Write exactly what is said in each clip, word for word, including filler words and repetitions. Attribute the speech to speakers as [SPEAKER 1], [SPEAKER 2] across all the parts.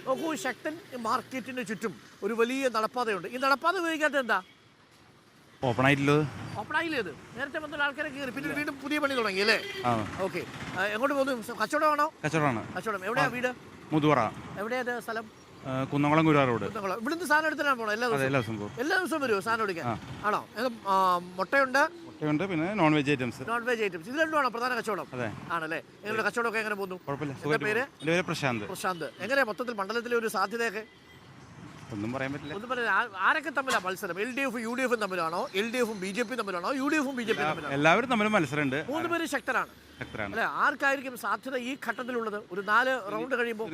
[SPEAKER 1] നോക്കൂ, ശക്തൻ മാർക്കറ്റിന് ചുറ്റും ഒരു വലിയ നടപ്പാതയുണ്ട്. ഈ നടപ്പാത ഉപയോഗിക്കാത്തത് എന്താ?
[SPEAKER 2] ഓപ്പൺ ആയിട്ടുള്ളത്.
[SPEAKER 1] ഓപ്പൺ ആയില്ലേത്? നേരത്തെ വന്ന ആൾക്കാരെ കയറി പിന്നെ വീണ്ടും പുതിയ പണി തുടങ്ങി അല്ലേ? ഓക്കെ. എങ്ങോട്ട് പോകുന്നു? കച്ചവടമാണോ?
[SPEAKER 2] കച്ചവടമാണ്.
[SPEAKER 1] കച്ചവടം. എവിടെയാ വീട്?
[SPEAKER 2] മുതുവറ.
[SPEAKER 1] എവിടെയാ സ്ഥലം?
[SPEAKER 2] കുന്നംകുളം ഗുരുവായൂർ റോഡ്.
[SPEAKER 1] കുന്നംകുളം. ഇവിടുന്ന് സാധനം എടുത്തിട്ടാണ് പോണോ? എല്ലാ ദിവസവും എല്ലാ ദിവസവും വരുമോ സാധനം എടുക്കാൻ? ആണോ? മുട്ടയുണ്ട്,
[SPEAKER 2] മുട്ടയുണ്ട്, പിന്നെ non veg items.
[SPEAKER 1] Non veg items ഇത് രണ്ടുമാണോ പ്രധാന കച്ചവടം?
[SPEAKER 2] അതെ.
[SPEAKER 1] ആണല്ലേ? നിങ്ങളുടെ കച്ചവടമൊക്കെ എങ്ങനെ പോകുന്നു?
[SPEAKER 2] കുഴപ്പമില്ല. പേര് പ്രശാന്ത്.
[SPEAKER 1] പ്രശാന്ത്. എങ്ങനെയാ മൊത്തത്തിൽ മണ്ഡലത്തിലെ ഒരു സാധ്യതയൊക്കെ?
[SPEAKER 2] ഒന്നും പറയാൻ പറ്റില്ല.
[SPEAKER 1] ഒന്നും പറയാൻ. ആരൊക്കെ തമ്മിലാണ് മത്സരം? L D F U D എഫും തമ്മിലാണോ? എൽ ഡി എഫും ബി ജെ പി തമ്മിലാണോ? യു ഡി എഫും ബി ജെ പി തമ്മിലാണോ?
[SPEAKER 2] എല്ലാവരും തമ്മിലും മത്സരമുണ്ട്.
[SPEAKER 1] മൂന്ന് പേര് ശക്തരാണ് അല്ലെ? ആർക്കായിരിക്കും സാധ്യത ഈ ഘട്ടത്തിലുള്ളത്? ഒരു നാല് റൗണ്ട് കഴിയുമ്പോൾ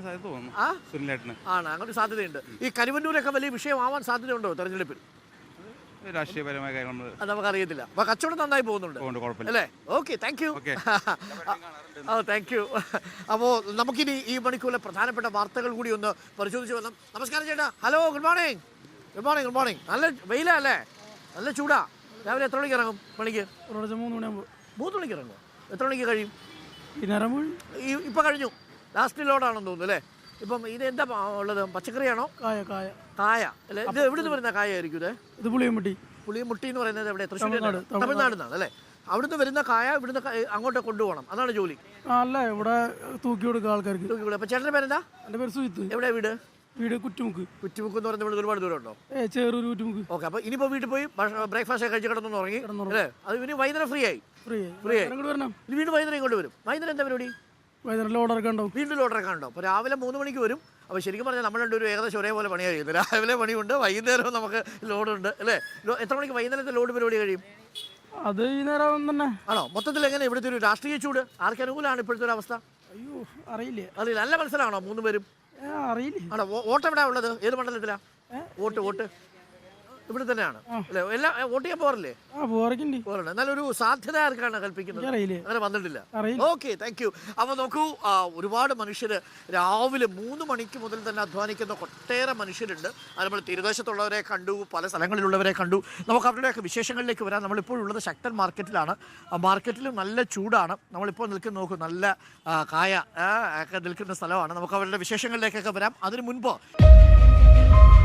[SPEAKER 1] ആണ് അങ്ങനെ സാധ്യതയുണ്ട്. ഈ കരുവന്നൂരൊക്കെ വലിയ വിഷയമാവാൻ സാധ്യതയുണ്ടോ തെരഞ്ഞെടുപ്പിൽ?
[SPEAKER 2] രാഷ്ട്രീയപരമായ കാര്യങ്ങൾ
[SPEAKER 1] അത് നമുക്കറിയത്തില്ല. അപ്പൊ കച്ചവടം നന്നായി പോകുന്നുണ്ട് അല്ലേ? Okay, thank you. Oh, thank you. അപ്പോൾ നമുക്കിനി ഈ മണിക്കൂറിലെ പ്രധാനപ്പെട്ട വാർത്തകൾ കൂടി ഒന്ന് പരിശോധിച്ച് വന്നാം. നമസ്കാരം ചേട്ടാ. Hello, good morning. Good morning. Good morning. നല്ല വെയിലാ അല്ലേ? നല്ല ചൂടാ. രാവിലെ എത്ര മണിക്ക് ഇറങ്ങും പണിക്ക്?
[SPEAKER 3] മൂന്ന് മണിയാകുമ്പോൾ.
[SPEAKER 1] മൂന്ന് മണിക്ക് ഇറങ്ങും. എത്ര മണിക്ക് കഴിയും?
[SPEAKER 3] ഈ
[SPEAKER 1] ഇപ്പം കഴിഞ്ഞു. ലാസ്റ്റ് ലോഡാണെന്ന് തോന്നുന്നു അല്ലേ? ഇപ്പം ഇത് എന്താ ഉള്ളത്? പച്ചക്കറിയാണോ?
[SPEAKER 3] കായ കായ
[SPEAKER 1] കായ അല്ലേ? ഇത് എവിടെ നിന്ന് വരുന്ന കായ ആയിരിക്കും ഇത്?
[SPEAKER 3] ഇത് പുളിയമുട്ടി.
[SPEAKER 1] പുളിയമുട്ടി എന്ന് പറയുന്നത് എവിടെ? തൃശ്ശൂർ, തമിഴ്നാട് നിന്നാണ് അല്ലേ? അവിടുന്ന് വരുന്ന കായ ഇവിടുന്ന് അങ്ങോട്ട് കൊണ്ടുപോകണം, അതാണ് ജോലി?
[SPEAKER 3] അല്ല, ഇവിടെ തൂക്കി കൊടുക്കുക ആൾക്കാർക്ക്.
[SPEAKER 1] തൂക്കി കൊടുക്കുക. അപ്പൊ ചേട്ടൻ്റെ പേരെന്താ?
[SPEAKER 3] എൻ്റെ പേര് സുജിത്ത്.
[SPEAKER 1] എവിടെ വീട്?
[SPEAKER 3] വീട് കുറ്റുമുക്ക്.
[SPEAKER 1] കുറ്റുമുക്ക് എന്ന് പറയുന്നത് ഇവിടെ ഒരുപാട് ദൂരം ഉണ്ടോ?
[SPEAKER 3] ഏ ചേറൂർ കുറ്റുമുക്ക്.
[SPEAKER 1] ഓക്കെ. അപ്പൊ ഇനിയിപ്പോ വീട്ടിൽ പോയി ബ്രേക്ക്ഫാസ്റ്റ് കഴിച്ച് കിടന്നു ഉറങ്ങി അല്ലേ? അത് ഇനി വൈകുന്നേരം ഫ്രീ ആയി.
[SPEAKER 3] ഫ്രീ
[SPEAKER 1] ഫ്രീ ആയി
[SPEAKER 3] വരണം.
[SPEAKER 1] വീണ്ടും വൈകുന്നേരം ഇങ്ങോട്ട് വരും. വൈകുന്നേരം എന്താ പരിപാടി?
[SPEAKER 3] വൈകുന്നേരം ലോഡറൊക്കെ ഉണ്ടാവും.
[SPEAKER 1] വീണ്ടും ലോഡറൊക്കെ ഉണ്ടോ? അപ്പോൾ രാവിലെ മൂന്ന് മണിക്ക് വരും. അപ്പോൾ ശരിക്കും പറഞ്ഞാൽ നമ്മൾ രണ്ടുപേരും ഏകദേശം ഒരേപോലെ പണിയാണ് ചെയ്യുന്നത്. രാവിലെ പണിയുണ്ട്, വൈകുന്നേരം നമുക്ക് ലോഡുണ്ട് അല്ലേ? എത്ര മണിക്ക് വൈകുന്നേരത്തെ ലോഡ് പരിപാടി കഴിയും?
[SPEAKER 3] അത് ഈ നേരം തന്നെ
[SPEAKER 1] ആണോ? മൊത്തത്തിൽ എങ്ങനെ ഇവിടുത്തെ ഒരു രാഷ്ട്രീയ ചൂട് ആർക്ക് അനുകൂലമാണ് ഇപ്പോഴത്തെ ഒരു അവസ്ഥ?
[SPEAKER 3] അയ്യോ, അറിയില്ല.
[SPEAKER 1] അറിയില്ല. നല്ല മത്സരമാണോ മൂന്ന് പേരും?
[SPEAKER 3] അറിയില്ല.
[SPEAKER 1] ആണോ? വോട്ട് എവിടെയാ ഉള്ളത്? ഏത് മണ്ഡലത്തിലാ വോട്ട്? വോട്ട് ഇവിടെ തന്നെയാണ് അല്ലേ? എല്ലാം വോട്ട് ചെയ്യാൻ പോറില്ലേ? പോറുണ്ട്. എന്നാലൊരു സാധ്യത ആർക്കാണ് കൽപ്പിക്കുന്നത്? അങ്ങനെ വന്നിട്ടില്ല. Okay, thank you. അപ്പോൾ നോക്കൂ, ഒരുപാട് മനുഷ്യർ രാവിലെ മൂന്ന് മണിക്ക് മുതൽ തന്നെ അധ്വാനിക്കുന്ന ഒട്ടേറെ മനുഷ്യരുണ്ട്. അത് നമ്മൾ തീരദേശത്തുള്ളവരെ കണ്ടു, പല സ്ഥലങ്ങളിലുള്ളവരെ കണ്ടു. നമുക്ക് അവരുടെയൊക്കെ വിശേഷങ്ങളിലേക്ക് വരാം. നമ്മളിപ്പോഴുള്ളത് ശക്തൻ മാർക്കറ്റിലാണ്. മാർക്കറ്റിലും നല്ല ചൂടാണ്. നമ്മളിപ്പോൾ നിൽക്കുന്ന നോക്കൂ, നല്ല കായ ഒക്കെ നിൽക്കുന്ന സ്ഥലമാണ്. നമുക്ക് അവരുടെ വിശേഷങ്ങളിലേക്കൊക്കെ വരാം. അതിനു മുൻപ്